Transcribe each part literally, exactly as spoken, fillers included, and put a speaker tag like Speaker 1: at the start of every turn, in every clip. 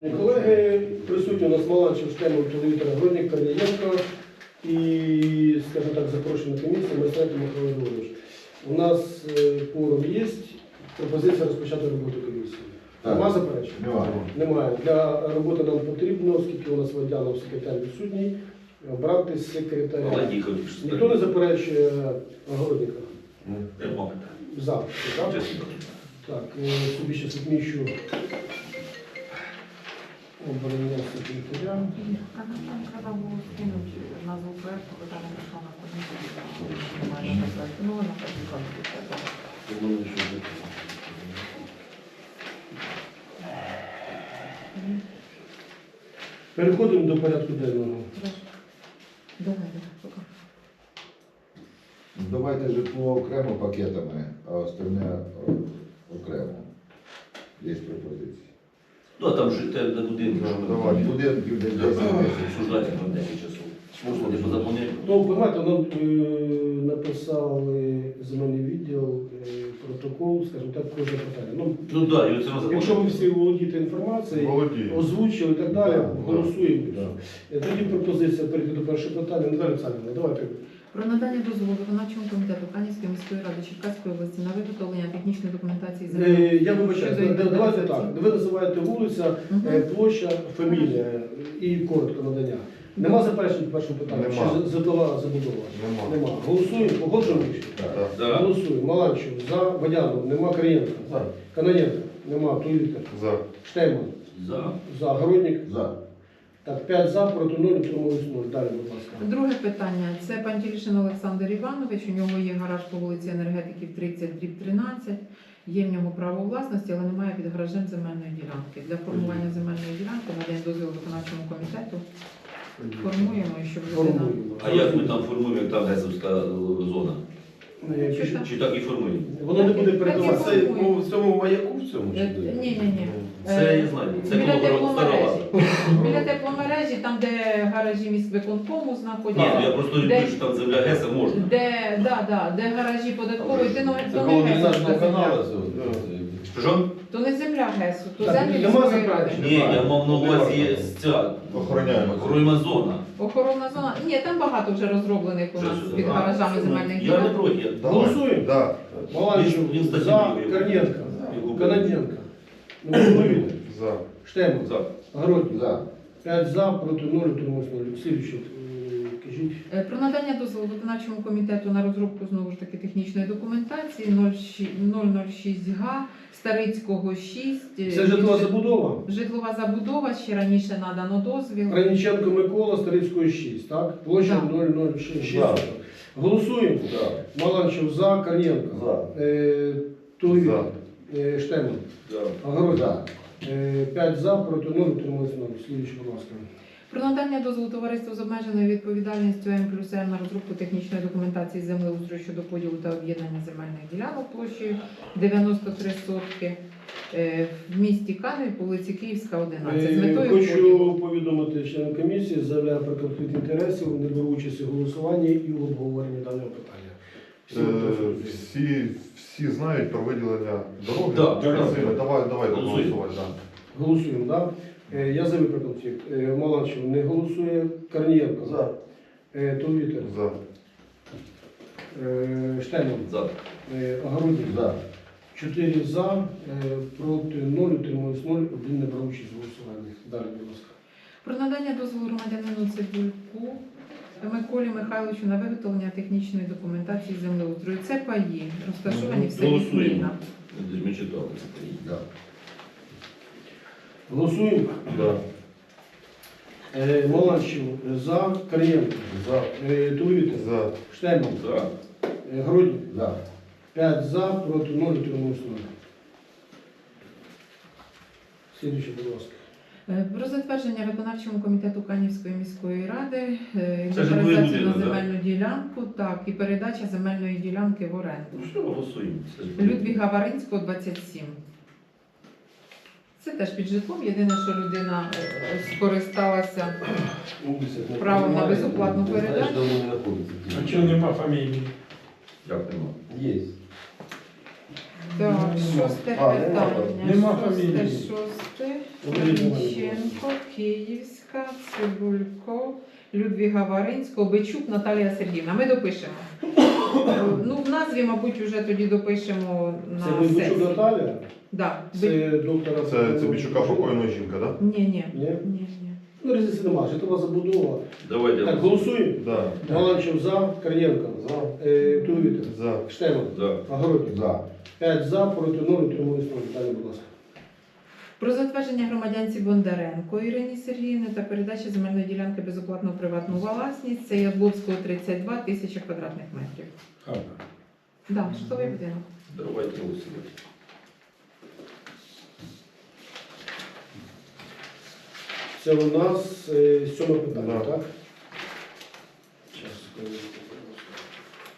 Speaker 1: Колеги, присутні у нас Маланчев, Штемов, Толевітер, Гродник, Корнієнко і, скажімо так, запрошена комісія, Майстренко Михайло Григорович. У нас форум є, пропозиція розпочати роботу комісії. Нема заперечень?
Speaker 2: Немає.
Speaker 1: Немає. Для роботи нам потрібно, оскільки у нас Водянов секретар відсутній, обрати секретаря. Ніхто не заперечує Гродника?
Speaker 3: Нема.
Speaker 1: За. Так, так, собі ще відміщу обрання секретаря.
Speaker 4: А нам там треба було скинути назву проєкту, бо там не пішла на комісію. Ну, вона так і кажуть.
Speaker 1: Переходимо до порядку денного.
Speaker 4: Давай, давай, поки.
Speaker 2: Давайте житло окремо пакетами, а остальне о, окремо. Є пропозиції.
Speaker 3: Ну, а там жити на будинку, що ми
Speaker 2: Давай, будинків десь десять місяців.
Speaker 3: обсуждати на десять часов. Можна не позаповняти.
Speaker 1: Ну, понимаете, нам е, написали земельний відділ, е, протокол, скажімо так, кожне питання. Ну,
Speaker 3: Ну так, і оце ми
Speaker 1: якщо ви всі володієте інформацією,
Speaker 2: Володію.
Speaker 1: озвучили і так далі,
Speaker 2: Да,
Speaker 1: голосуємо.
Speaker 2: да.
Speaker 1: Е, Тоді пропозиція перейти до першого питання. Наталя Олександрівна, давайте.
Speaker 4: Про надання дозволу виконавчому комітету Канівської міської ради Черкаської області на виготовлення технічної документації
Speaker 1: Е,
Speaker 4: землі.
Speaker 1: Я вибачаю,
Speaker 4: Щодо
Speaker 1: да- давайте так.
Speaker 4: ідентифікації.
Speaker 1: Ви називаєте вулиця, е, площа, фамілія і коротко надання. Нема заперечень по першому питанню?
Speaker 2: Нема.
Speaker 1: Чи житлова забудова?
Speaker 2: Нема.
Speaker 1: Нема. Голосуємо, погоджуємо рішення?
Speaker 2: Так.
Speaker 3: Да.
Speaker 1: Голосуємо. Маланчев, за, Водянов, нема, Корнієнко.
Speaker 2: За.
Speaker 1: Каноненко, нема, Толевітер.
Speaker 2: За.
Speaker 1: Штеман,
Speaker 3: За.
Speaker 1: за, Гродник.
Speaker 2: За.
Speaker 1: Так, п'ять за, проти нуль, утримались нуль. Далі, будь ласка.
Speaker 4: Друге питання. Це Пантілішин Олександр Іванович. У нього є гараж по вулиці Енергетиків тридцять дріб тринадцять. Є в нього право власності, але немає під гаражем земельної ділянки. Для формування земельної ділянки надаємо дозвіл виконавчому комітету. Формуємо, і щоб людина...
Speaker 1: Формуємо.
Speaker 3: А як ми там формуємо, як там Гесовська зона?
Speaker 1: Е,
Speaker 4: Що
Speaker 1: пишіть.
Speaker 4: там?
Speaker 3: Чи так і формуємо?
Speaker 1: Воно не буде
Speaker 4: Так і
Speaker 1: передаватися.
Speaker 4: формуємо.
Speaker 5: Це ну, в цьому маяку в цьому
Speaker 4: Е,
Speaker 5: чи де?
Speaker 4: Ні, ні, ні.
Speaker 3: Це я знаю. Це
Speaker 4: Біля
Speaker 3: коло стара
Speaker 4: тепломережі.
Speaker 3: база.
Speaker 4: Біля тепломережі, там, де гаражі міськвиконкому
Speaker 3: Ні,
Speaker 4: знаходяться.
Speaker 3: ну я просто
Speaker 4: Де-
Speaker 3: люблю, що там земля Геса можна.
Speaker 4: Де, да, да, де гаражі податкової, ти ну,
Speaker 5: Це
Speaker 4: то
Speaker 5: коло
Speaker 4: не Гесу,
Speaker 5: дренажного
Speaker 4: то
Speaker 5: каналу.
Speaker 4: земля.
Speaker 5: це-
Speaker 3: Що?
Speaker 4: То не земля Гесу, то
Speaker 1: Так,
Speaker 4: землі
Speaker 1: нема
Speaker 4: міської ради.
Speaker 1: заперечень?
Speaker 3: Ні, я мав на увазі ця
Speaker 2: Охороняємо.
Speaker 3: охоронна зона.
Speaker 4: Охоронна зона. Ні, там багато вже розроблених у
Speaker 3: Що
Speaker 4: нас
Speaker 3: сюди?
Speaker 4: під
Speaker 3: А,
Speaker 4: гаражами
Speaker 3: ну,
Speaker 4: земельних
Speaker 3: Я не
Speaker 4: ділянок.
Speaker 3: проти. я-
Speaker 1: Голосуємо.
Speaker 2: Да.
Speaker 1: Маланчев,
Speaker 3: Він- він статтю
Speaker 1: за,
Speaker 3: вивів.
Speaker 1: Корнієнко,
Speaker 3: Яку-
Speaker 1: Каноненко, Толевітер,
Speaker 2: За.
Speaker 1: Штеман,
Speaker 3: За.
Speaker 1: Гродник.
Speaker 2: За.
Speaker 1: п'ять за, проти нуль, утримались нуль. Слідуюче, е, кажіть.
Speaker 4: Е, Про надання дозволу виконавчому комітету на розробку знову ж таки технічної документації нуль нуль шість га Старицького шість. е,
Speaker 1: Це житлова
Speaker 4: жит-
Speaker 1: забудова.
Speaker 4: Житлова забудова, ще раніше надано дозвіл.
Speaker 1: Краніченко Микола, Старицької шість, так? Площа
Speaker 4: Так.
Speaker 1: нуль нуль шість.
Speaker 2: За.
Speaker 1: Голосуємо.
Speaker 2: За.
Speaker 1: Маланчев за, Корнієнко.
Speaker 2: За.
Speaker 1: Е, Толевітер,
Speaker 2: За.
Speaker 1: е, Штеман,
Speaker 3: За.
Speaker 1: Огородник.
Speaker 2: За.
Speaker 1: Е, п'ять за, проти нуль, утримались нуль. Слідуюче, будь ласка.
Speaker 4: Про надання дозволу товариству з обмеженою відповідальністю М плюс М на розробку технічної документації землеустрою щодо поділу та об'єднання земельних ділянок площею дев'яносто три сотки е, в місті Каневі по вулиці Київська, одинадцять. З
Speaker 1: Е,
Speaker 4: метою
Speaker 1: Хочу
Speaker 4: поділу.
Speaker 1: повідомити членам комісії, заявляю про конфлікт інтересів, не беру участь у голосуванні і в обговоренні даного питання. Всі
Speaker 6: Е,
Speaker 1: готові?
Speaker 6: Всі, всі знають про виділення дороги.
Speaker 3: Да,
Speaker 6: Красиво.
Speaker 3: да.
Speaker 6: Давай, давай
Speaker 3: Голосуємо.
Speaker 6: голосувати. Да.
Speaker 1: Голосуємо, так? Да? Я заявив про конфлікт. Е, Маланчев не голосує. Корнієнко.
Speaker 2: За.
Speaker 1: Е, Толевітер.
Speaker 6: За.
Speaker 1: Е, Штеман.
Speaker 3: За.
Speaker 1: Е, Огородник.
Speaker 2: За.
Speaker 1: Чотири за, е, проти нуль, утримались нуль, один не брав участь в голосуванні. Далі, будь ласка.
Speaker 4: Про надання дозволу громадянину Цибульку Миколі Михайловичу на виготовлення технічної документації землеустрою. Це паї, розташовані в селі
Speaker 3: Голосуємо.
Speaker 4: Сміна.
Speaker 3: Ми читали це.
Speaker 2: Да.
Speaker 1: Голосуємо.
Speaker 6: Да.
Speaker 1: Е, Маланчев за, Корнієнко.
Speaker 2: За.
Speaker 1: Е, Толевітер.
Speaker 6: За.
Speaker 1: Штеман.
Speaker 3: За.
Speaker 1: Е, Гродник.
Speaker 2: За.
Speaker 1: п'ять за, проти нуль, утримались нуль. Слідуюче, будь ласка.
Speaker 4: Е, Про затвердження виконавчому комітету Канівської міської ради е,
Speaker 3: Це житловий
Speaker 4: інвентаризацію на
Speaker 3: будинок, да?
Speaker 4: земельну ділянку, так, і передача земельної ділянки в оренду.
Speaker 3: Ну що, голосуємо. Це ж-
Speaker 4: Людвіга Варинського, двадцять сім. Це теж під житлом. Єдине, що людина е, скористалася правом на безоплатну
Speaker 5: Знаєш,
Speaker 4: передачу.
Speaker 5: де вони знаходяться?
Speaker 7: А чого нема фамілії?
Speaker 3: Як нема?
Speaker 5: Є.
Speaker 4: Так, шосте
Speaker 5: А, нема
Speaker 4: питання.
Speaker 5: там. Нема
Speaker 4: Шосте,
Speaker 5: фамілії.
Speaker 4: шосте.
Speaker 1: Оберіть мене, будь
Speaker 4: Мельниченко, Київська, Цибулько, Людвіга Варинського, Бичук, Наталія Сергіївна. Ми допишемо. Ну, в назві, мабуть, вже тоді допишемо
Speaker 1: Це
Speaker 4: на
Speaker 1: Винничук
Speaker 4: сесії.
Speaker 1: Наталя,
Speaker 4: Да. Би-
Speaker 1: це доктора.
Speaker 6: Це, це Бічука покойна жінка, так?
Speaker 4: Ні, ні.
Speaker 1: Ні?
Speaker 4: Ні, ні.
Speaker 1: Ну, різниці немає, житлова забудова.
Speaker 3: Давайте.
Speaker 1: Так, голосуємо.
Speaker 6: Да? Да.
Speaker 1: Галанчев за, Корнієнко.
Speaker 5: За.
Speaker 1: Е, Туловітер.
Speaker 6: За.
Speaker 1: Штеман.
Speaker 3: За.
Speaker 1: Огородник.
Speaker 2: За.
Speaker 1: п'ять за, проти нуль, утримались нуль. Далі, будь ласка.
Speaker 4: Про затвердження громадянці Бондаренко Ірині Сергіївни та передачі земельної ділянки безоплатно у приватну власність. Це Ябловського тридцять два, тисяча квадратних метрів.
Speaker 5: Хата.
Speaker 4: Да, житловий будинок.
Speaker 3: Давайте голосувати.
Speaker 1: Це у нас е, сьоме питання,
Speaker 6: Да.
Speaker 1: так? Щас, секунду, будь ласка.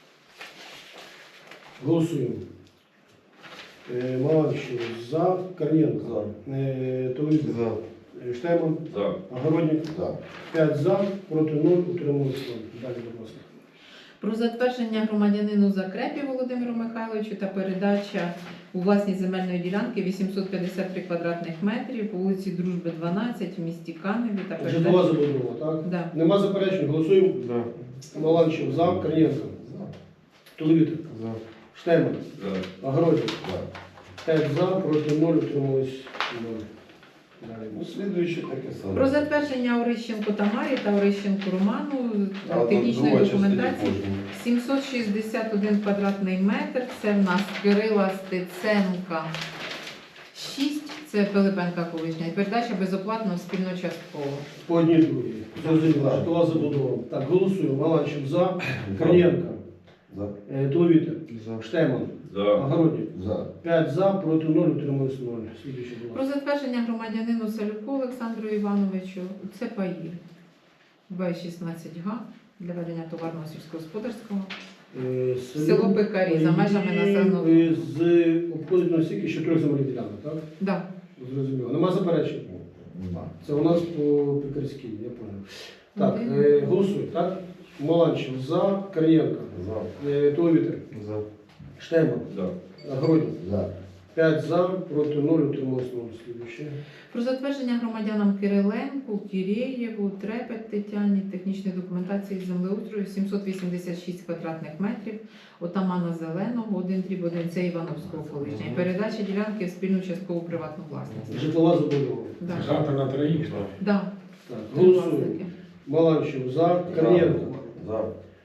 Speaker 1: Голосуємо. Е, Маланчев за, Корнієнко. Е, Туловітер.
Speaker 6: За.
Speaker 1: Е, Штеман.
Speaker 3: За.
Speaker 1: Огородник.
Speaker 2: За.
Speaker 1: п'ять за, проти нуль, утримались нуль. Далі, будь ласка.
Speaker 4: Про затвердження громадянину Закрепі Володимиру Михайловичу та передача у власність земельної ділянки вісімсот п'ятдесят три квадратних метрів по вулиці Дружби, дванадцять в місті Каневі та
Speaker 1: Житлова
Speaker 4: передача.
Speaker 1: забудова, так?
Speaker 4: Да.
Speaker 1: Нема заперечень, голосуємо.
Speaker 6: Да.
Speaker 1: Маланчев за, Корнієнко. Туловітер.
Speaker 6: За.
Speaker 1: Штеман.
Speaker 3: За.
Speaker 1: Огородник.
Speaker 2: За.
Speaker 1: п'ять за, проти нуль, утримались нуль. Далі.
Speaker 5: Ну, слідуюче таке саме.
Speaker 4: Про затвердження Орищенко Тамарі та Орищенко Роману
Speaker 5: А от
Speaker 4: технічної
Speaker 5: друга частина
Speaker 4: документації
Speaker 5: кожного.
Speaker 4: сімсот шістдесят один квадратний метр. Це в нас Кирила Стеценка шість, це Пилипенка колишня. І передача безоплатно спільно-частково.
Speaker 1: По одній другій. Зрозуміло. Житлова забудова. Так, голосуємо. Маланчев за, Корнієнко.
Speaker 5: За.
Speaker 1: Е, Туловітер.
Speaker 6: За.
Speaker 1: Штеман.
Speaker 3: За.
Speaker 1: Огородник.
Speaker 2: За.
Speaker 1: п'ять за, проти нуль, утримались нуль. Слідуючий, будь
Speaker 4: Про
Speaker 1: ласка.
Speaker 4: затвердження громадянину Салюку Олександру Івановичу. Це паї. Б шістнадцять га для ведення товарного сільськогосподарського.
Speaker 1: Е,
Speaker 4: Село Пекарі, за межами населеного
Speaker 1: І з обходить на стільки ще трьох земельних ділянок, так?
Speaker 4: Да.
Speaker 1: Зрозуміло. Нема заперечень?
Speaker 2: Нема.
Speaker 1: Це у нас по Пекарській, я понял. Так,
Speaker 4: Один.
Speaker 1: е, голосуємо, так? Маланчев за, Корнієнко.
Speaker 5: За.
Speaker 1: Е, Туловітер.
Speaker 6: За.
Speaker 1: Штеман.
Speaker 3: За.
Speaker 1: Огородник.
Speaker 2: За.
Speaker 1: п'ять за, проти нуль, утрималось нуль. Слідуюче.
Speaker 4: Про затвердження громадянам Кириленку, Кірєєву, Трепет Тетяні, технічної документації з землеустрою сімсот вісімдесят шість квадратних метрів, отамана Зеленого, один дріб один, це Івановського колишня. І передача ділянки в спільну часткову приватну власність.
Speaker 1: Житлова забудова.
Speaker 4: Да.
Speaker 5: Хата на троїх.
Speaker 4: Да.
Speaker 1: Так,
Speaker 4: Три
Speaker 1: голосуємо.
Speaker 4: власники.
Speaker 1: Маланчев за, Корнієнко.
Speaker 5: За.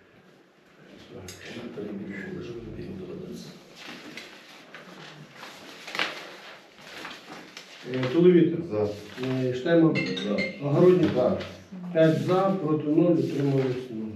Speaker 1: Е, Туловітер.
Speaker 6: За.
Speaker 1: Е, Штеман.
Speaker 3: За.
Speaker 1: Огородник.
Speaker 2: За.
Speaker 1: п'ять за, проти нуль, утрималось нуль.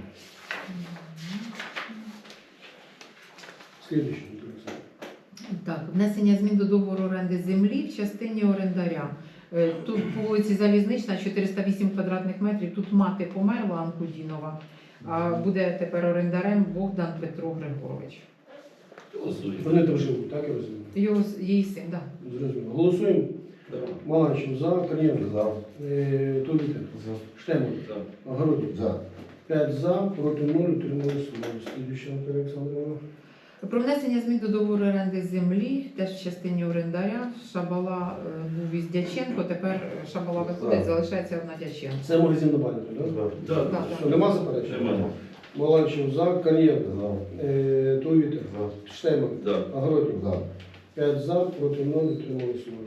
Speaker 1: Слідуючий.
Speaker 4: Так, внесення змін до договору оренди землі в частині орендаря. Е, Тут по вулиці Залізнична чотириста вісім квадратних метрів. Тут мати померла Анкудінова, а буде тепер орендарем Богдан Петро Григорович.
Speaker 3: Голосуємо.
Speaker 1: Вони там живуть, так я розумію?
Speaker 4: Його с- її син, так.
Speaker 1: Зрозуміло. Голосуємо.
Speaker 3: Да.
Speaker 1: Маланчев за, Корнієнко.
Speaker 5: За.
Speaker 1: Е, Туловітер.
Speaker 6: За.
Speaker 1: Штеман.
Speaker 3: За.
Speaker 1: Огородник.
Speaker 2: За.
Speaker 1: п'ять за, проти нуль, утрималось нуль. Слідуючий, Наталія Олександрівна.
Speaker 4: Про внесення змін до договору оренди землі, теж в частині орендаря. Шабала е, був із Дяченко, тепер Шабала виходить,
Speaker 5: Так.
Speaker 4: залишається одна Дяченко.
Speaker 1: Це магазин на бані, так?
Speaker 6: За.
Speaker 3: Да.
Speaker 4: Так,
Speaker 1: Що, нема заперечень?
Speaker 3: Нема.
Speaker 1: Маланчев за, Корнієнко.
Speaker 5: За.
Speaker 1: Е, Туловітер.
Speaker 6: За.
Speaker 1: Штеман.
Speaker 3: За.
Speaker 1: Огородник.
Speaker 2: За.
Speaker 1: п'ять за, проти нуль, утрималось нуль.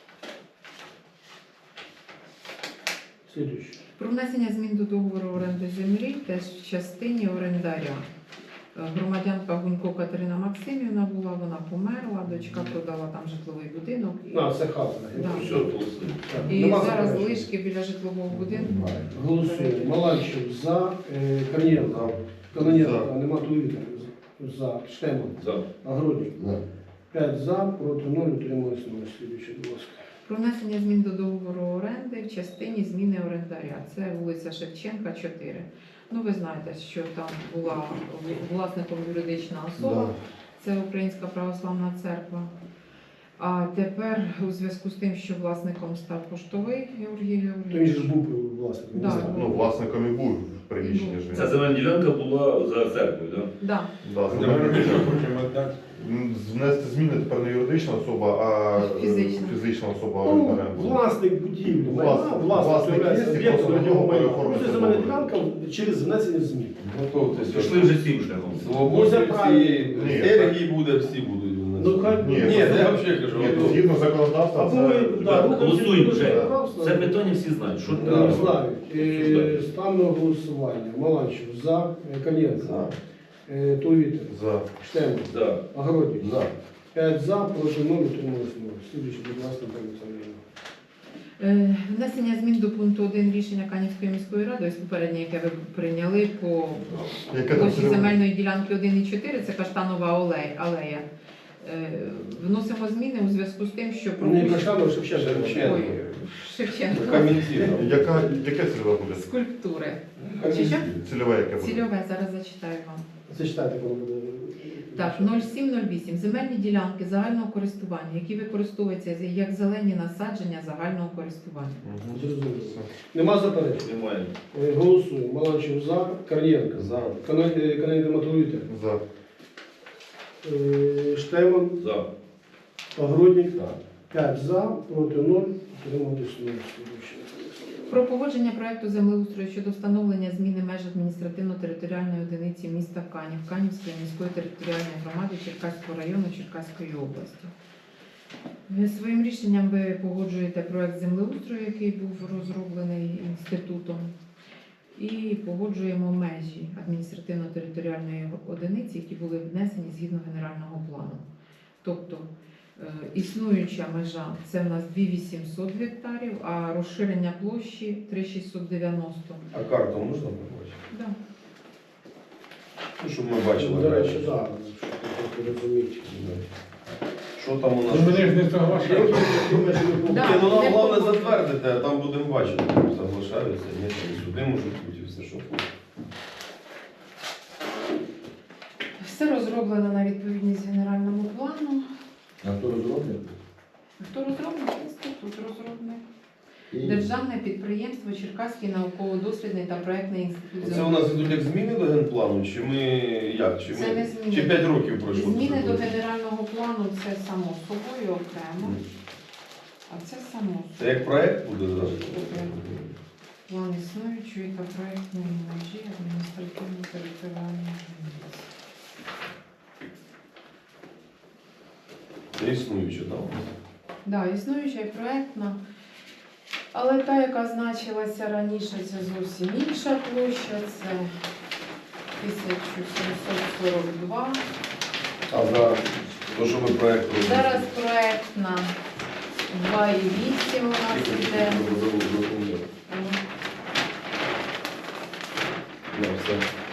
Speaker 1: Слідуючий.
Speaker 4: Про внесення змін до договору оренди землі, теж в частині орендаря. Е, Громадянка Гунько Катерина Максимівна була, вона померла, дочка продала там житловий будинок. І,
Speaker 1: А, це хата.
Speaker 4: Да.
Speaker 3: Все, голосуємо.
Speaker 1: Так,
Speaker 4: і
Speaker 1: нема
Speaker 4: зараз
Speaker 1: заперечень?
Speaker 4: лишки біля житлового будинку.
Speaker 2: Немає.
Speaker 1: Голосуємо. Маланчев за, е, Корнієнко. Корнієнко,
Speaker 6: За.
Speaker 1: а нема Туловітера. За. Штеман.
Speaker 3: За.
Speaker 1: Огородник.
Speaker 2: За.
Speaker 1: п'ять за, проти нуль, утрималось нуль. Слідуючий, будь ласка.
Speaker 4: Про внесення змін до договору оренди в частині зміни орендаря. Це вулиця Шевченка, чотири. Ну, ви знаєте, що там була власником юридична особа,
Speaker 6: Да.
Speaker 4: це Українська Православна Церква. А тепер у зв'язку з тим, що власником став поштовий Георгій
Speaker 1: То він
Speaker 4: Георгійович.
Speaker 1: же ж був власником.
Speaker 4: Да.
Speaker 1: не знаю.
Speaker 6: Ну, власником і був. приміщення ж.
Speaker 3: Ця земельна ділянка була за церквою, так?
Speaker 4: Да.
Speaker 6: Да,
Speaker 5: Земельну
Speaker 6: земельна
Speaker 5: ділянку
Speaker 6: ділянка.
Speaker 5: потім віддати.
Speaker 6: М, Внести зміни тепер не юридична особа, а е,
Speaker 4: Фізична.
Speaker 6: фізична особа.
Speaker 1: Ну,
Speaker 6: орендарем.
Speaker 1: власник будівлі,
Speaker 6: Власник.
Speaker 1: майна, власник
Speaker 6: Власник
Speaker 1: являється
Speaker 6: є,
Speaker 1: об'єктом
Speaker 6: просто
Speaker 1: його майна.
Speaker 6: оформити
Speaker 1: Це земельна
Speaker 6: договір.
Speaker 1: ділянка через внесення змін.
Speaker 5: Готовтеся.
Speaker 3: Пішли вже цим шляхом.
Speaker 5: Свободі
Speaker 1: Це правильно.
Speaker 5: всі,
Speaker 6: Ні.
Speaker 5: стержі буде, всі будуть.
Speaker 1: Ну, хай
Speaker 6: Ні,
Speaker 5: Ні,
Speaker 1: ну,
Speaker 5: я взагалі кажу.
Speaker 6: Ні,
Speaker 5: готові.
Speaker 6: згідно законодавства,
Speaker 1: Або
Speaker 6: це
Speaker 1: ми да,
Speaker 3: Так,
Speaker 1: рухаємося
Speaker 3: голосуємо
Speaker 1: до
Speaker 3: вже.
Speaker 1: законодавства.
Speaker 3: Це питання всі знають. Що
Speaker 1: Не
Speaker 5: Да.
Speaker 1: знаю. Е, Ставимо на голосування. Маланчев за, е, Кам'янська,
Speaker 5: За.
Speaker 1: е, Тулвітер,
Speaker 6: за.
Speaker 1: Штемов,
Speaker 3: Да.
Speaker 1: Огородник.
Speaker 5: За.
Speaker 1: п'ять за, проти нуль, утрималось нуль. Слідуючий, будь ласка, пані Олександрівна.
Speaker 4: Е, Внесення змін до пункту один рішення Канівської міської ради, ось попереднє, яке ви прийняли по
Speaker 6: Яке там
Speaker 4: площі
Speaker 6: цільове?
Speaker 4: земельної ділянки один і чотири, це Каштанова алея. алея. Е, Вносимо зміни у зв'язку з тим, що
Speaker 1: Не
Speaker 4: пропущено-
Speaker 1: Каштанов, Шевченко.
Speaker 5: Шевченко.
Speaker 4: Ой, Шевченко.
Speaker 5: Камінці.
Speaker 6: Яка, яке цільове буде?
Speaker 4: Скульптури.
Speaker 5: Камінці.
Speaker 4: Чи що?
Speaker 6: Цільове яке буде?
Speaker 4: Цільове, зараз зачитаю вам.
Speaker 1: Зачитайте, коли буде.
Speaker 4: Так, нуль сім нуль вісім. Земельні ділянки загального користування, які використовуються як зелені насадження загального користування.
Speaker 6: Мгм.
Speaker 1: Зрозуміло. Нема заперечень.
Speaker 3: Немає.
Speaker 1: Е, Голосуємо. Маланчев за, Корнієнко.
Speaker 5: За.
Speaker 1: Канадська Матулюйте.
Speaker 6: За.
Speaker 1: Штеман,
Speaker 3: За.
Speaker 1: Огородник.
Speaker 5: За.
Speaker 1: п'ять за, проти нуль, утрималось нуль. Слідуючий.
Speaker 4: Про погодження проекту землеустрою щодо встановлення зміни меж адміністративно-територіальної одиниці міста Канів, Канівської міської територіальної громади Черкаського району Черкаської області. Ви своїм рішенням ви погоджуєте проект землеустрою, який був розроблений інститутом, і погоджуємо межі адміністративно-територіальної одиниці, які були внесені згідно генерального плану. Тобто е, існуюча межа це в нас дві тисячі вісімсот гектарів, а розширення площі три тисячі шістсот дев'яносто.
Speaker 5: А карту можна побачити?
Speaker 4: Да.
Speaker 5: Ну, щоб ми бачили.
Speaker 1: До речі, так, щоб розуміти.
Speaker 5: Що там у нас?
Speaker 7: Ну, мене ж не соглашають.
Speaker 4: Да.
Speaker 5: Ні, ну нам
Speaker 4: не
Speaker 5: головне
Speaker 4: погоджено.
Speaker 5: затвердити, а там будемо бачити, соглашаються, ні, там і суди можуть бути, і все, що хочуть.
Speaker 4: Все розроблено на відповідність генеральному плану.
Speaker 2: А хто розробник?
Speaker 4: Хто розробник? Інститут розробник.
Speaker 2: І
Speaker 4: Державне підприємство Черкаський науково-дослідний та проектний інститут.
Speaker 5: Це у нас ідуть як зміни до генплану, чи ми як? Чи
Speaker 4: Це
Speaker 5: ми
Speaker 4: не зміни.
Speaker 5: чи п'ять років пройшло?
Speaker 4: Зміни
Speaker 5: після
Speaker 4: до
Speaker 5: того?
Speaker 4: генерального плану це само собою окремо, а це само
Speaker 5: Це як проект буде, так?
Speaker 4: план існуючої та проектної межі адміністративно-територіальної організації.
Speaker 5: Це існуюче, так?
Speaker 4: Да, існуюча і проектна. Але та, яка значилася раніше, це зовсім інша площа, це тисяча сімсот сорок два.
Speaker 5: А зараз, то, що ми проект робимо?
Speaker 4: Зараз проектна два і вісім у нас іде.
Speaker 5: Ну, все.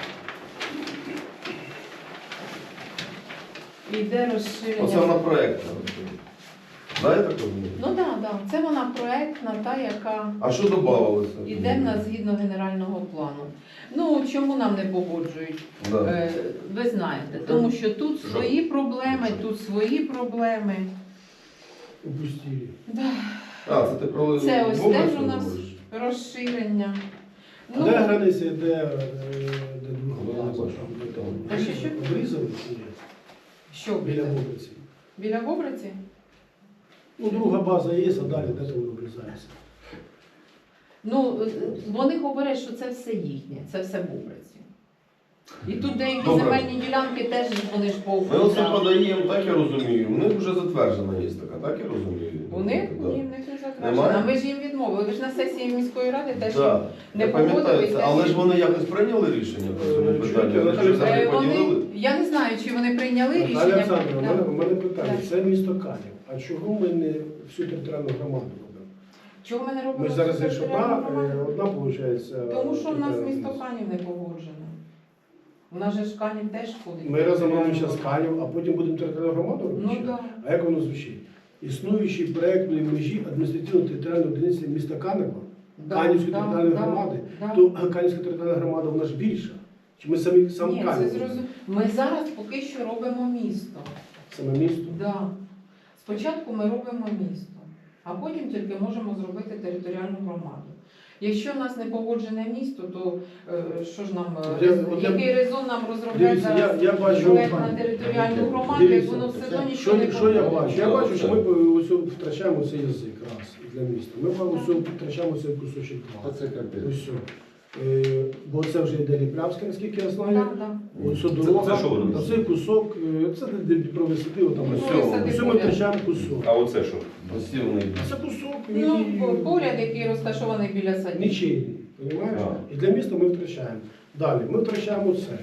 Speaker 4: Іде розширення.
Speaker 5: Оце вона проектна. Да, я так розумію?
Speaker 4: Ну так, да, да. Це вона проектна, та, яка
Speaker 5: А що додавалося?
Speaker 4: іде в нас згідно генерального плану. Ну, чому нам не погоджують?
Speaker 5: Да.
Speaker 4: Е, ви знаєте, тому що тут свої проблеми, тут свої проблеми.
Speaker 1: Упустили.
Speaker 4: Да.
Speaker 5: А, це ти про
Speaker 4: Це ось
Speaker 5: Бога
Speaker 4: теж у нас
Speaker 5: говориш?
Speaker 4: розширення.
Speaker 1: А
Speaker 4: Ну,
Speaker 1: де границя, де, е, де друга
Speaker 5: Ну, я не
Speaker 1: база?
Speaker 5: бачу.
Speaker 1: Там
Speaker 4: А що, що?
Speaker 1: Обрізали чи ні?
Speaker 4: що
Speaker 1: Біля
Speaker 4: біля,
Speaker 1: вулиці.
Speaker 4: біля Вобриці?
Speaker 1: Ну, друга база є, а далі де воно обрізається.
Speaker 4: Ну, е, вони говорять, що це все їхнє, це все Бобриці. І тут деякі
Speaker 5: Добре.
Speaker 4: земельні ділянки теж вони ж
Speaker 5: Ми оце
Speaker 4: повністю.
Speaker 5: подаємо, так я розумію. У них вже затверджена є така, так я розумію.
Speaker 4: У них?
Speaker 5: Да.
Speaker 4: Ні, в них не затверджено.
Speaker 5: Немає?
Speaker 4: А ми ж їм відмовили. Ви ж на сесії міської ради теж
Speaker 5: Да.
Speaker 4: не
Speaker 5: Я пам'ятаю
Speaker 4: погодили.
Speaker 5: це, але ж вони якось прийняли рішення по цьому
Speaker 1: Е,
Speaker 5: питанню.
Speaker 1: чуєте,
Speaker 5: Вони ж
Speaker 1: Наталя
Speaker 5: взагалі
Speaker 4: Е, вони,
Speaker 5: поділили.
Speaker 4: я не знаю, чи вони прийняли
Speaker 1: Наталя
Speaker 4: рішення.
Speaker 1: Олександрівна, у
Speaker 4: Да.
Speaker 1: мене, у мене питання.
Speaker 4: Так.
Speaker 1: Це місто Канів. А чого ми не всю територіальну громаду робимо?
Speaker 4: Чого ми не робимо?
Speaker 1: Ми зараз є ж
Speaker 4: територіальну
Speaker 1: одна,
Speaker 4: громаду?
Speaker 1: е, одна виходить.
Speaker 4: Тому що в нас місто Канів не погоджено. У нас же ж Канів теж входить.
Speaker 1: Ми разом робимо зараз Канів, а потім будемо територіальну громаду робити?
Speaker 4: Ну
Speaker 1: ще?
Speaker 4: так.
Speaker 1: А як воно звучить? Існуючі проєктної межі адміністративно-територіальної одиниці міста Канева,
Speaker 4: Да,
Speaker 1: Канівської
Speaker 4: да,
Speaker 1: територіальної
Speaker 4: да,
Speaker 1: громади,
Speaker 4: да.
Speaker 1: то Канівська територіальна громада вона ж більша. Чи ми самі сам
Speaker 4: Ні, це
Speaker 1: Канів?
Speaker 4: зрозуміло. Ми зараз поки що робимо місто.
Speaker 1: Саме місто?
Speaker 4: Да. Спочатку ми робимо місто, а потім тільки можемо зробити територіальну громаду. Якщо в нас не погоджене місто, то е, що ж нам, е,
Speaker 1: Я-
Speaker 4: рез-
Speaker 1: от я-
Speaker 4: який резон нам розробляти
Speaker 1: Дивіться, я,
Speaker 4: зараз
Speaker 1: я бачу,
Speaker 4: проект на територіальну громаду, як
Speaker 1: Дивіться,
Speaker 4: воно все
Speaker 2: це-
Speaker 4: одно нічого
Speaker 1: що,
Speaker 4: не
Speaker 1: що я
Speaker 4: погоджено.
Speaker 1: бачу? Я бачу, що ми ось втрачаємо цей язик раз для міста. Ми ось втрачаємо цей кусочок
Speaker 2: Та
Speaker 1: два.
Speaker 2: це капець.
Speaker 1: Ось. Е, бо це вже йде Ліплявська, наскільки я знаю.
Speaker 4: Да, да.
Speaker 1: Ось
Speaker 3: Це-
Speaker 1: дорога,
Speaker 3: це що воно?
Speaker 1: а цей кусок, е, це де Дніпрові сади, там
Speaker 4: Ну,
Speaker 1: ось.
Speaker 4: сади
Speaker 1: Ось ми
Speaker 4: поряд.
Speaker 1: втрачаємо кусок.
Speaker 5: А оце що? Посівний.
Speaker 1: Це кусок,
Speaker 4: Ну,
Speaker 1: який
Speaker 4: поряд, який розташований біля садів.
Speaker 1: нічийний, розумієш?
Speaker 5: А.
Speaker 1: І для міста ми втрачаємо. Далі, ми втрачаємо це.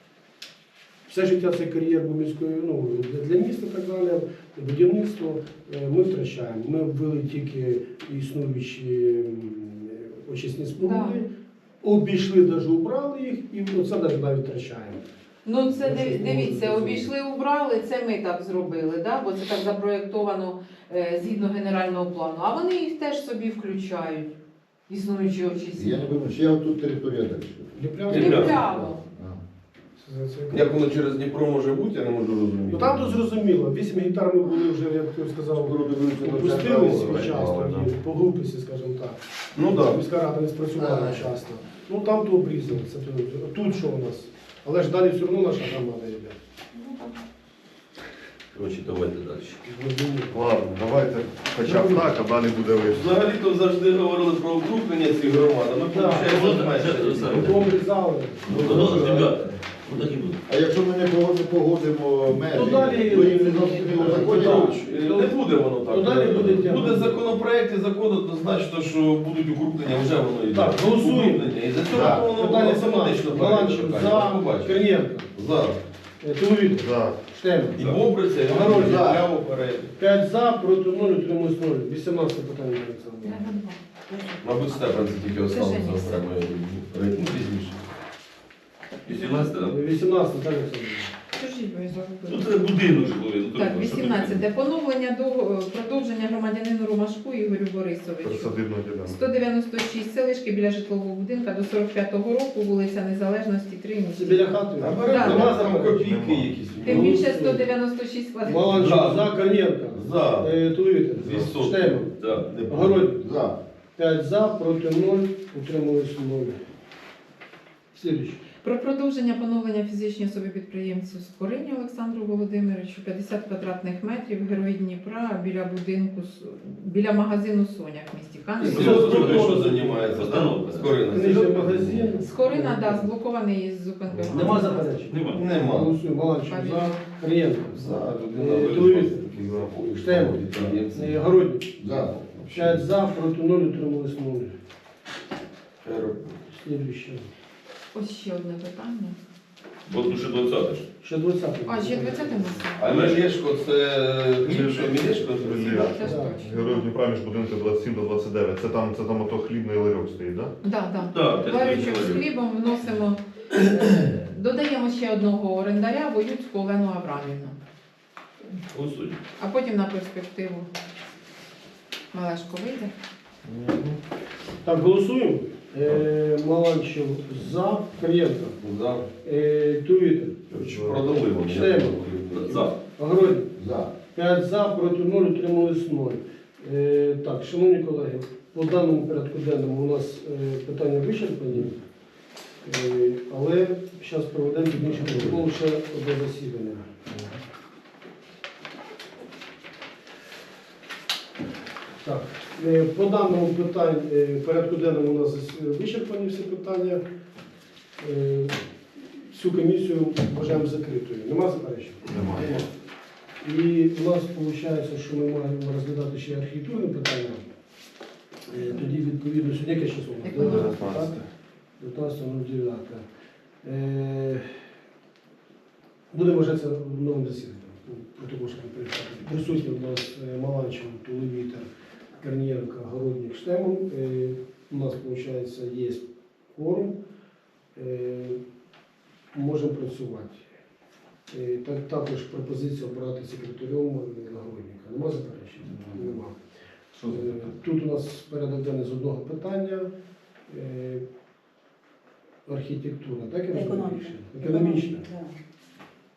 Speaker 1: Все життя цей кар'єр був міською, ну, для- для міста і так далі, будівництво е, ми втрачаємо. Ми ввели тільки існуючі м, очисні споруди, обійшли, навіть убрали їх, і оце навіть навіть втрачаємо.
Speaker 4: Ну це
Speaker 1: Ну,
Speaker 4: диві-
Speaker 1: що
Speaker 4: дивіться,
Speaker 1: можна
Speaker 4: обійшли, убрали, це ми так зробили, да? Бо це так запроєктовано е, згідно генерального плану. А вони їх теж собі включають, існуючі очисні.
Speaker 2: Я не пам'ятаю, ще отут територія далі.
Speaker 1: Ліплявська.
Speaker 4: Ліпляво.
Speaker 2: А.
Speaker 1: Це- це-
Speaker 5: Як воно через Дніпро може бути, я не можу розуміти.
Speaker 1: Ну там то зрозуміло, вісім гектар ми були вже, як ти сказав,
Speaker 2: Скоро дивлюся на
Speaker 1: опустились
Speaker 2: центр,
Speaker 1: часто,
Speaker 2: але,
Speaker 1: і по глупості, скажімо так.
Speaker 5: Ну так.
Speaker 1: Міська рада не спрацювала
Speaker 2: Ага.
Speaker 1: часто. Ну там то обрізали. Це то- тут що у нас? Але ж далі все одно наша громада йде.
Speaker 4: Ну, так.
Speaker 3: Коротше, давайте далі.
Speaker 6: Ладно, давайте хоча б так, а далі буде вийшло.
Speaker 5: Взагалі-то завжди говорили про укріплення цих громад, а ми
Speaker 1: Так.
Speaker 5: виходить
Speaker 3: Ну,
Speaker 5: зменшили.
Speaker 3: так.
Speaker 1: Ми обрізали.
Speaker 3: Ну, ну, ребята, ну так і буде.
Speaker 2: А якщо ми не погодимо, погодимо межі,
Speaker 1: Ну, далі-
Speaker 2: то їм не зрозуміло
Speaker 5: Петрович,
Speaker 2: законів.
Speaker 5: не буде воно так.
Speaker 1: Ну, далі буде тема.
Speaker 5: Буде законопроект і закон однозначно, що будуть укріплення, вже воно йде.
Speaker 1: Так, голосуємо.
Speaker 5: Укріплення. І за цього
Speaker 2: Так.
Speaker 5: воно
Speaker 1: Питання
Speaker 5: автоматично
Speaker 1: сама. Маланчев
Speaker 5: перейде.
Speaker 1: за,
Speaker 5: Побачимо.
Speaker 1: Корнієнко,
Speaker 5: За.
Speaker 1: Туловіт,
Speaker 6: За.
Speaker 1: Штеман.
Speaker 5: І Бобриця, і
Speaker 1: Огородник.
Speaker 5: Огородник, прямо перейде.
Speaker 1: п'ять за, проти нуль, утримуюсь нуль. вісімнадцяте питання, Олександр.
Speaker 5: Мабуть, Степан це тільки
Speaker 4: Це
Speaker 5: останнє
Speaker 4: Женя.
Speaker 5: окремо, я думаю. Ну, пізніше.
Speaker 3: вісімнадцяте, так?
Speaker 1: вісімнадцяте, так, Олександр.
Speaker 4: Скажіть, ви
Speaker 3: Ну
Speaker 4: забули.
Speaker 3: це будинок житловий. ну,
Speaker 4: Так,
Speaker 3: то що таке?
Speaker 4: вісімнадцяте. Поновлення до продовження громадянину Ромашку Ігорю Борисовичу.
Speaker 6: Присадибна ділянка.
Speaker 4: сто дев'яносто шість селишки біля житлового будинку до сорок п'ятого року, вулиця Незалежності, три
Speaker 1: Це
Speaker 4: місті.
Speaker 1: біля хати.
Speaker 5: А
Speaker 4: Да,
Speaker 5: беремо
Speaker 4: да.
Speaker 5: нема там копійки якісь.
Speaker 4: Тим більше сто дев'яносто шість квадратів.
Speaker 1: Маланчев
Speaker 5: За.
Speaker 1: за, Корнієнко.
Speaker 5: За.
Speaker 1: Е, Туловіт,
Speaker 5: Вісотки.
Speaker 1: Штеман.
Speaker 3: Да.
Speaker 5: Не
Speaker 1: Огородник.
Speaker 2: За.
Speaker 1: п'ять за, проти нуль, утримуюсь нуль. Слідуючий.
Speaker 4: Про продовження поновлення фізичній особі підприємцю Скорині Олександру Володимировичу п'ятдесят квадратних метрів, Герой Дніпра, біля будинку, С- біля магазину Соня в місті Каневі.
Speaker 5: Скорина що займається?
Speaker 3: Постановка.
Speaker 5: Скорина.
Speaker 1: Книжний магазин.
Speaker 4: Скорина, да, зблокований із зупинкою.
Speaker 1: Нема заперечень.
Speaker 3: Нема.
Speaker 5: Нема.
Speaker 1: Голосуємо. Маланчев за, Корнієнко.
Speaker 5: За людина
Speaker 1: Е,
Speaker 5: вирішила
Speaker 1: Туловіт.
Speaker 5: таких заходів,
Speaker 1: Штеман.
Speaker 5: підприємці.
Speaker 1: Е, Огородник.
Speaker 2: За.
Speaker 1: п'ять за, проти нуль, утримуюсь нуль.
Speaker 5: Широко.
Speaker 1: Слідуючий.
Speaker 4: Ось ще одне питання.
Speaker 3: Бо тут ще двадцяте ж.
Speaker 1: Ще двадцяте.
Speaker 4: А, ще двадцяте місце.
Speaker 5: А Мелешко це хліб, що Мелешко?
Speaker 6: Друзі.
Speaker 4: Це ж
Speaker 5: Так.
Speaker 4: точно.
Speaker 6: Герой Дніпра між будинком двадцять сім до двадцять дев'ять. Це там, це там ото хлібний ларьок стоїть, так?
Speaker 4: Да, да.
Speaker 3: Так, теж
Speaker 4: Варючок з
Speaker 3: говорю.
Speaker 4: хлібом вносимо, е, додаємо ще одного орендаря, Воюцьку Олену Аврамівну.
Speaker 3: Голосуємо.
Speaker 4: А потім на перспективу Малешко вийде.
Speaker 1: Так, голосуємо. Е, Маланчев за, Корнієнко.
Speaker 5: За.
Speaker 1: Е, Туловіт.
Speaker 5: Продали вони.
Speaker 1: Штеман.
Speaker 3: За.
Speaker 1: Огородник.
Speaker 2: За.
Speaker 1: п'ять за, проти нуль, утримались нуль. Е, так, шановні колеги, по даному порядку денному у нас е, питання вичерпані, е, але зараз проведемо технічний протокол ще одне засідання. Так, е, по даному питанню, е, порядку денному у нас зас- вичерпані всі питання. Е, Всю комісію вважаємо закритою. Нема заперечень?
Speaker 6: Немає.
Speaker 1: І у нас виходить, що ми маємо розглядати ще архітектурне питання. Е, Тоді, відповідно, сьогодні яке число?
Speaker 6: дев'ятнадцяте.
Speaker 1: дев'ятнадцяте дев'яте. Е, Будемо вважатися новим засіданням. Протокол що прийшли. Присутні у нас е, Маланчев, Туловітер, Корнієнко, Городник, Штеман. Е, У нас, виходить, є кворум. Е, Можемо працювати. Е, Так, також пропозиція обрати секретарем нагородника. Нема заперечень? Нема. Е, Тут у нас порядок денний з одного питання. Е, Архітектура, так я розумію?
Speaker 7: Економіка.
Speaker 1: Економічна.
Speaker 7: Да.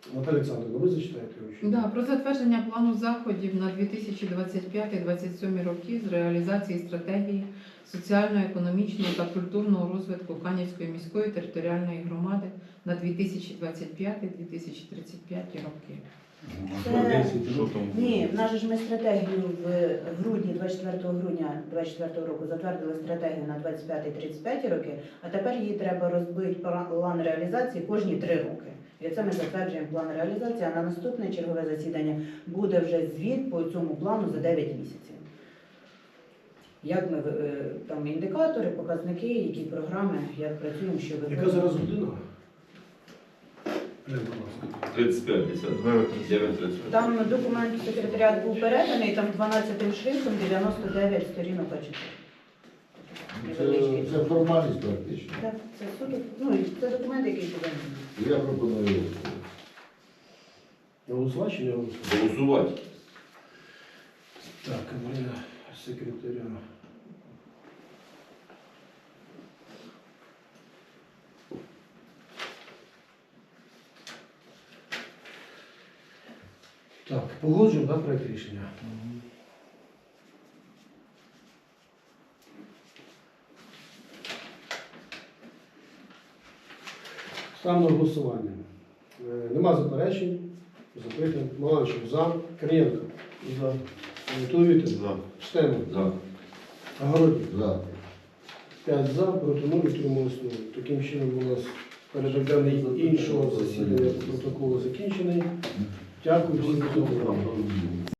Speaker 1: Наталя Олександровна, ви зачитаєте його?
Speaker 4: Да, про затвердження плану заходів на дві тисячі двадцять п'ятий - двадцять сьомий роки з реалізації стратегії соціально-економічного та культурного розвитку Канівської міської територіальної громади на дві тисячі двадцять п'ятий - дві тисячі тридцять п'ятий роки.
Speaker 7: Це-
Speaker 6: Що там?
Speaker 7: Ні, в нас же ж ми стратегію в грудні, двадцять четвертого грудня двадцять четвертого року затвердили стратегію на двадцять п'ятий - тридцять п'ятий роки, а тепер її треба розбити план реалізації кожні три роки. І це ми затверджуємо план реалізації, а на наступне чергове засідання буде вже звіт по цьому плану за дев'ять місяців. Як ми е, там індикатори, показники, які програми, як працюємо, що
Speaker 1: Яка
Speaker 7: виконуємо.
Speaker 1: зараз година? Глянь, будь ласка.
Speaker 3: тридцять п'ять, десять.
Speaker 6: дев'ять тридцять.
Speaker 3: дев'ять тридцять.
Speaker 7: Там документ секретаріат був переданий, там дванадцятим шрифтом дев'яносто дев'ять сторінок А чотири.
Speaker 2: Це, це формальність практично.
Speaker 7: Так, це суто, ну, і це документ, який поданий.
Speaker 2: Я пропоную.
Speaker 1: Голосувати чи не голосувати?
Speaker 3: Голосувати.
Speaker 1: Так, Марина, секретаря. Так, погоджуємо, да, проект рішення? Ставимо на голосування. Е, Нема заперечень. Запитуємо. Маланчев за. Корнієнко. За. Туловітер.
Speaker 6: За.
Speaker 1: Штемов.
Speaker 3: За.
Speaker 1: Огородник.
Speaker 2: За.
Speaker 1: п'ять за, проти нуль, утрималось нуль. Таким чином у нас порядок денний іншого засідання протоколу закінчений. Дякую всім за увагу.